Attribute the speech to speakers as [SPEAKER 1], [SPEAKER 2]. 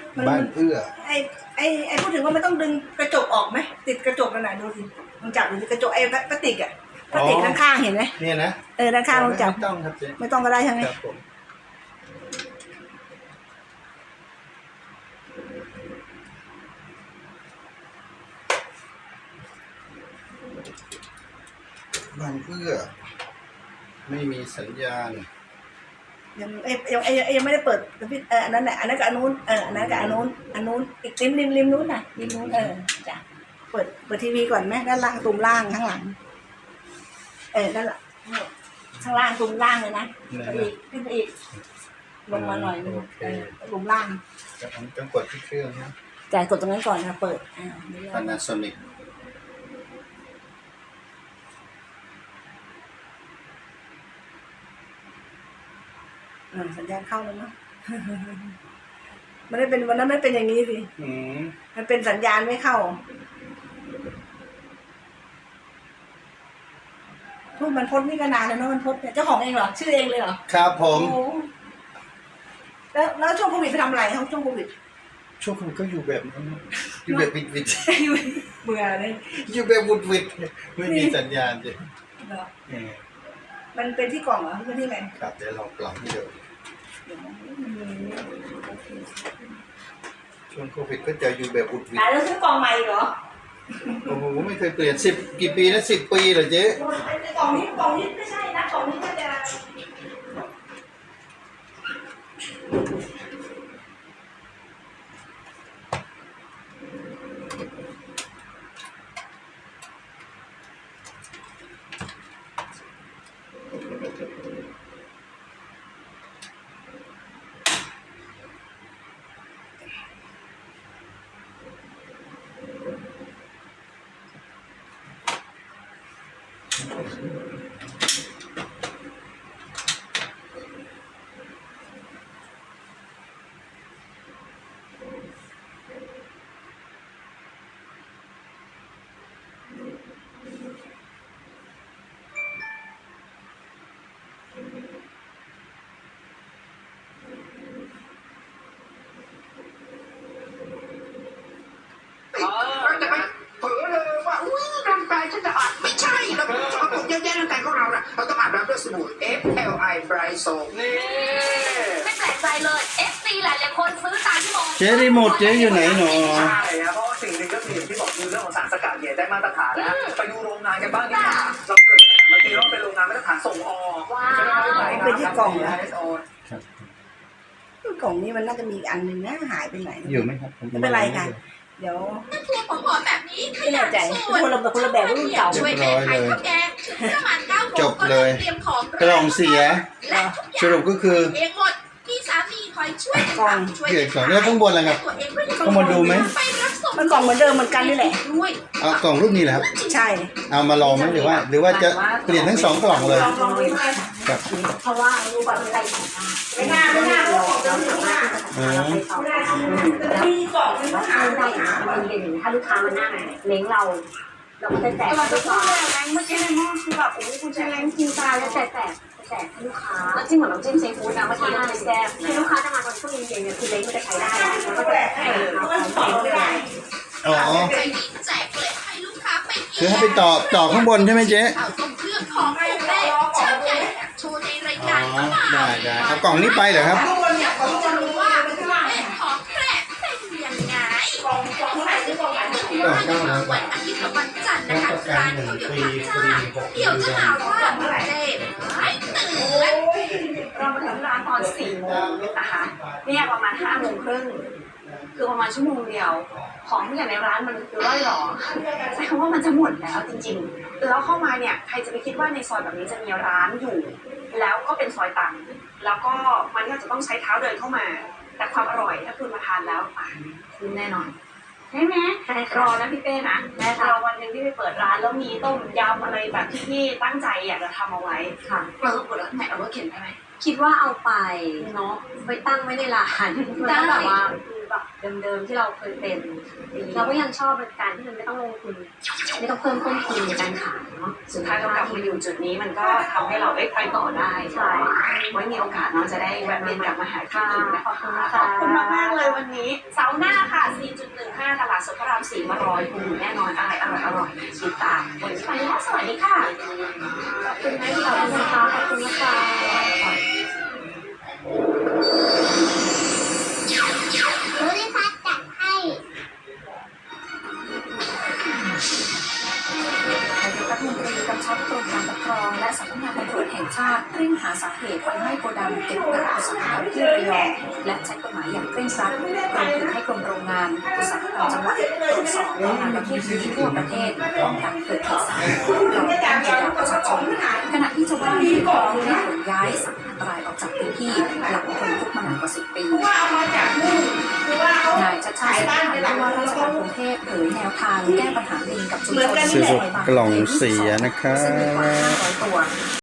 [SPEAKER 1] บ้านเอื้อ
[SPEAKER 2] ไอ้พูดถึงว่ามันต้องดึงกระจกออกไหมติดกระจกนั่นน่ะดูสิลองจับดูสิกระจกไอ้พลาสติกอ่ะพลาสติกข้างๆเห็นไหม
[SPEAKER 1] เนี่ยนะ
[SPEAKER 2] ด้านข้างลองจับ
[SPEAKER 1] ไม่ต้องครับเจ๊
[SPEAKER 2] ไม่ต้องก็ได้ใช่ไหม
[SPEAKER 1] ครับผมบ้านเอื้อไม่มีสัญญาณ
[SPEAKER 2] ยังไม่ได้เปิดอันนั้นแหละอันนั้นกับอันนู้นอันนั้นกับอันนู้นอีกริมนู้นน่ะริมนู้นจ้ะเปิดทีวีก่อนไหมด้านล่างตุ่มล่างข้างหลังด้านหลังข้างล่างตุ่มล่างเลยนะอีกขึ้นไปอีกลงมาหน่อยนึงตุ่มล่าง
[SPEAKER 1] ผมต้องกดที่เครื่องนะ
[SPEAKER 2] จ่ายกดตรงนั้นก่อนนะเปิด
[SPEAKER 1] Panasonic
[SPEAKER 2] สัญญาณเข้าแล้วเนาะมันไม่เป็นวันนั้นไม่เป็นอย่างนี้สิมันเป็นสัญญาณไม่เข้าพูดมันพดนี่ก็นานแล้วเนาะมันพดเจ้าของเองเหรอชื่อเองเลยเหรอ
[SPEAKER 1] ครับผม
[SPEAKER 2] แล้วช่วงโควิดไปทำอะไรครับช่วงโควิด
[SPEAKER 1] ช่วงผมก็อยู่แบบนั้นอยู่แบบวิด
[SPEAKER 2] เบื่อเลย
[SPEAKER 1] อยู่แบบวุดวิดไม่มีสัญญาณเลย
[SPEAKER 2] มันเป็นที่กล่องเหรอเป็นที่ไหน
[SPEAKER 1] ครับเดี๋ยวลองปรับให้ดูช่วงโควิดก็จะอยู่แบบวุดวิด
[SPEAKER 2] แล้วซื้อกล่องใหม่เหรอ
[SPEAKER 1] โอ้โหไม่เคยเปลี่ยน10กี่ปีนะ10 ปีเหรอเจ๊
[SPEAKER 2] กล่องนี้ไม่ใช่นะกล่องนี้ก็จะ
[SPEAKER 3] ไม่ใช่เราเป็นสกปรกเยอะแยะในแต่ของเราน่ะเราต้องอาบน้ำด้วยสบู่ FLI Bright Soap นี่
[SPEAKER 4] ไม่แปลกใจเลย FC หลายๆคนซื้อตามที่บอก
[SPEAKER 1] เจ๊รีโมทเจ๊อยู่ไหนหนอ
[SPEAKER 3] ใช่ครับเพราะว่าสิ่งหนึ่งก็คืออย่างที่บอกคือเรื่องของสารสกัดเนี่ยได้มาตรฐานแล้วไปดูโรงงานกันบ้างดีกว่าเราเกิดบางทีเราเป็นโรงงานมาตรฐานส่งออก
[SPEAKER 2] เป็นที่กล่องนะกล่องนี้มันน่าจะมีอันหนึ่งนะหายไปไหน
[SPEAKER 1] อยู่ไหมครับ
[SPEAKER 2] ไม่เป็นไรค่ะเดี๋ยว
[SPEAKER 4] ตัวผอมๆแบบนี้ข
[SPEAKER 2] ยันสูตรคนละแบบรุ่นเก่า
[SPEAKER 4] ช่วยแม่ขายข้าวแกงประมาณ9
[SPEAKER 1] จบเลยกล่องเสียสรุปก็คือ
[SPEAKER 4] เองหมดพี่สามีคอยช่วย
[SPEAKER 2] กล่อง
[SPEAKER 1] เกี่ยวกับแล้วข้างบนอะไรครับข้างบนดูไหม
[SPEAKER 2] มันกล่องเหมือนเดิมเหมือนกันนี่แหละ
[SPEAKER 1] เอากล่องรูปนี้แหละครับ
[SPEAKER 2] ใช่
[SPEAKER 1] เอามาลองไหมหรือว่าจะเปลี่ยนทั้ง2 กล่องเลยครับ
[SPEAKER 2] เพราะว่ารูปแบบใส่ไม่น่าเรามีกล่องที่ต้องเอาได้มันเป็นถ้าลูกค้ามาหน้าเล้งเราก็จะแจกลูกค้าแรงเมื่อกี้ในหม้อคือแบบโอ้คุณจะแรงจริงตายแล้วแจกให้ลูกค้าแล้วจิ้มเหมือนน้ำจิ้มซีฟู้ดนะเมื่อกี้เราแซ่บคือลูกค้าจะมาตอนช่วงเย็นๆเนี่ยคือเล้งมันจะใช้ได้แล้วก็แจกให้เขาไม่ได้
[SPEAKER 1] อ๋อ
[SPEAKER 4] แจกเลยให้ลูกค้าไป
[SPEAKER 1] คือให้ไปต่อข้างบนใช่ไหมเจ๊
[SPEAKER 4] เอาตรงเครื่องของแม่ชอบใหญ่โชว์ในรายการ
[SPEAKER 1] ได้เอากล่องนี้ไปเหรอครับ
[SPEAKER 4] อยากจะรู้ว่าแม่ของแพร่เป็นยังไงกล่องไหนซื้อกล่องไหนวันอาทิตย์กับวันจันทร์นะคะร้านเขาเดี๋ยวทำจ้าเดี๋ยวจะหาว่าเจ๊ไม่ตื่น
[SPEAKER 2] เรามาถึงร้านตอน4 โมงนะคะเนี่ยประมาณ5 โมงครึ่งคือประมาณชั่วโมงเดียวของทุกอย่างในร้านมันคือร่อยหรอใช้คำว่ามันจะหมดแล้วจริงๆแล้วเข้ามาเนี่ยใครจะไปคิดว่าในซอยแบบนี้จะมีร้านอยู่แล้วก็เป็นซอยตันแล้วก็มันก็จะต้องใช้เท้าเดินเข้ามาแต่ความอร่อยถ้าคุณมาทานแล้วคุณแน่นอนใช่ไหมรอนะพี่เป้นะรอวันหนึ่งที่ไปเปิดร้านแล้วมีต้มยำอะไรแบบที่พี่ตั้งใจอยากจะทำเอาไว้ค่ะ
[SPEAKER 4] เปิดแล้วแม่เอารถเข็นได้ไหม
[SPEAKER 2] คิดว่าเอาไปเนาะไปตั้งไว้ในร้านแล้วแบบว่าแบบเดิมๆที่เราเคยเป็นเราก็ยังชอบการที่มันไม่ต้องลงทุนไม่ต้องเพิ่มต้นทุนในการขายเนาะสุดท้ายเรากลับมาอยู่จุดนี้มันก็ทำให้เราได้ไปต่อได้ใช่ไว้มีโอกาสน้องจะได้แวะเวียนกลับมาหาที่อีกนะขอบคุณมากๆเลยวันนี้เสาร์หน้าค่ะ 4.15 ตลาดสดพระราม 4 มารอยคุณแน่นอนอะไรอร่อยๆติดตามวันนี้ไปแล้วสวัสดีค่ะขอบคุณนะที่เราเป็นนะคะขอบคุณนะคะ
[SPEAKER 5] ภูริพัฒน์จัดให้
[SPEAKER 2] นายกรัฐมนตรีกำชับกรมการปกครองและสำนักงานตำรวจแห่งชาติเร่งหาสาเหตุไฟไหม้โกดังเก็บกักอุตสาหกรรมที่ระยองและใช้กฎหมายอย่างเคร่งครัดรวมถึงให้กรมโรงงานอุตสาหกรรมจังหวัดตรวจสอบโรงงานประเภทนี้ทั่วประเทศป้องกันเกิดเหตุสาธารณประโยชน์แก่ประชาชนขณะที่ชาวบ้านที่ขอให้ขนย้ายสัตว์อันตรายออกจากพื้นที่หลังทนทุกข์มานานกว่า10 ปีนายชัชชาติสิทธิพันธ์ผู้ว่าราชการกรุงเทพเผยแนวทางแก้ปัญหาลิงกับชุมชน
[SPEAKER 1] ซื้อกล่องเสียนะครับ
[SPEAKER 2] ซึ่งมีกว่า500 ตัว